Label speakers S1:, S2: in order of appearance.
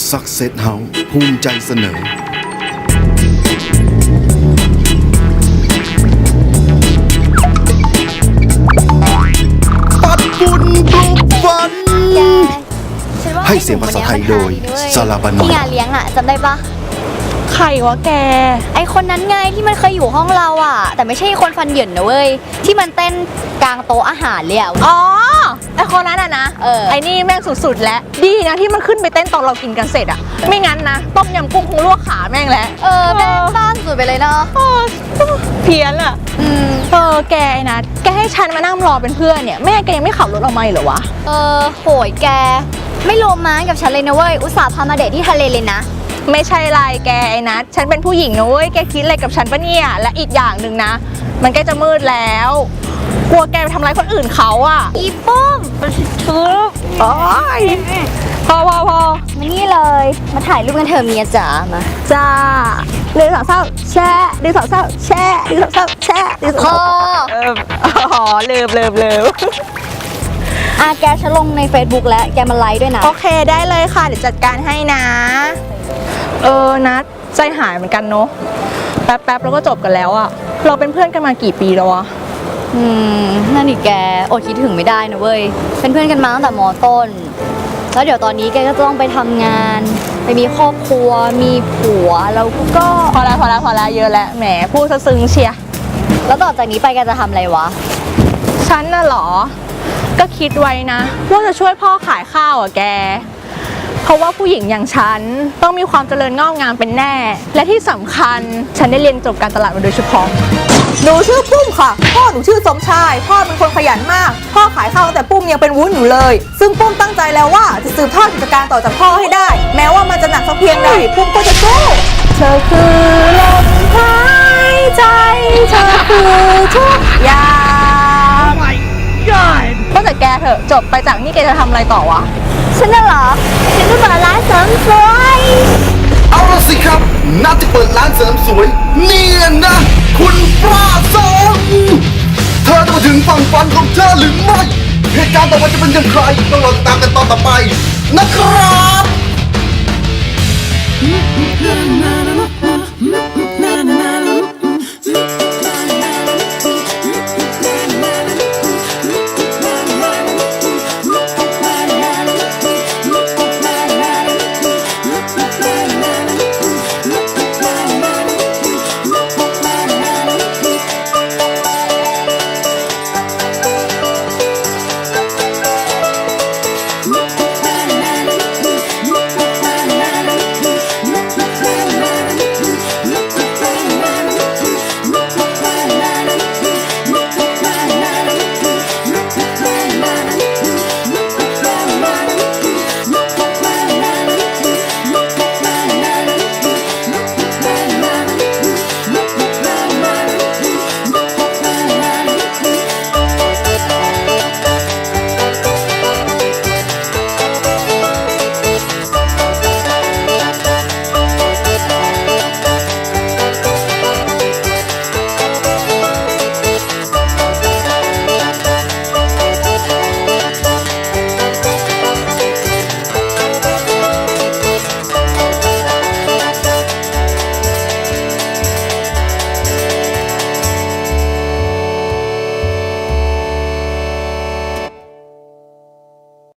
S1: Success House ภูมิใจเสนอปัดบุญปลุกฝันให้เสียงภาษาไทยโดยซาลาบานอ
S2: ที่งานเลี้ยงอ่ะจำได้ปะ
S3: ใครวะแก
S2: ไอคนนั้นไงที่มันเคยอยู่ห้องเราอ่ะแต่ไม่ใช่คนฟันเหยินนะเว้ยที่มันเต้นกลางโต๊ะอาหารเลยอ่ะ
S3: อ๋อ ไอคนนั้นอะนะ ไอนี่แม่งสุดๆแล้วดีนะที่มันขึ้นไปเต้นตอนเรากินกันเสร็จอะไม่งั้นนะต้มยำกุ้งคงลวกขาแม่งแล้ว
S2: แม่งต้านสุดไปเลยเนาะ
S3: เพี้ยนอะแกไอ้นะแกให้ฉันมานั่งรอเป็นเพื่อนเนี่ยแม่แกยังไม่ขับรถออกมาเหรอวะ
S2: โหยแกไม่โรแมนต์กับฉันเลยนะเว้ยอุตส่าห์พามาเดทที่ทะเลเลยนะ
S3: ไม่ใช่ไรแกไอ้นัทฉันเป็นผู้หญิงนะเว้ยแกคิดอะไรกับฉันปะเนี่ยและอีกอย่างหนึ่งนะมันใกล้จะมืดแล้วกลัวแกไปทำร้ายคนอื่นเขาอะ
S2: อีปุ้มทุบ
S3: โอ๊ยพอ
S2: มานี่เลยมาถ่ายรูปกันเถอะเมียจ๋ามา
S3: จ้าดึงสาวเศร้าแช่ดึงสาวเศร้าแช่ดึงสาวเศร้าแช่ดึงสาว
S2: พ
S3: เศร้า
S2: อ
S3: เลิฟ
S2: แกฉันลงใน Facebook แล้วแกมาไลค์ด้วยนะ
S3: โอเคได้เลยค่ะเดี๋ยวจัดการให้นะนัทใจหายเหมือนกันเนาะแป๊บแล้วก็จบกันแล้วอะเราเป็นเพื่อนกันมากี่ปีแล้ววะ
S2: นั่นนี่แกอดคิดถึงไม่ได้นะเว้ยเป็นเพื่อนกันมาตั้งแต่ม.ต้นแล้วเดี๋ยวตอนนี้แกก็ต้องไปทำงานไปมีครอบครัวมีผัวแล้วก็
S3: พอแล้วเยอะแล้วแหมพูดซะซึ้งเชีย
S2: แล้วต่อจากนี้ไปแกจะทำอะไรวะ
S3: ฉันน่ะเหรอก็คิดไว้นะว่าจะช่วยพ่อขายข้าวอะแกเพราะว่าผู้หญิงอย่างฉันต้องมีความเจริญงอกงามเป็นแน่และที่สำคัญฉันได้เรียนจบการตลาดมาโดยเฉพาะ
S4: หนูชื่อปุ้มค่ะพ่อหนูชื่อสมชายพ่อเป็นคนขยันมากพ่อขายข้าวตั้งแต่ปุ้มยังเป็นวุ้นอยู่เลยซึ่งปุ้มตั้งใจแล้วว่าจะสืบทอดกิจการต่อจากพ่อให้ได้แม้ว่ามันจะหนักสักเพียงใดปุ้มก็จะสู้เธอคือลมหายใจเธอคือทุกอย่าง
S3: ก็แต่แกเถอะจบไปจากนี่แกจะทำอะไรต่อวะ
S2: ฉันน่ะเหรอฉันจะเปิดร้านเสริมสวย
S1: เอาละสิครับนัดจะเปิดร้านเสริมสวยเนี่ยนะคุณปลาสองเธอจะมาถึงฝั่งฝันของเธอหรือไม่เหตุการณ์ต่อไปจะเป็นอย่างไรต้องรอติดตามกันตอนต่อไปนะครับ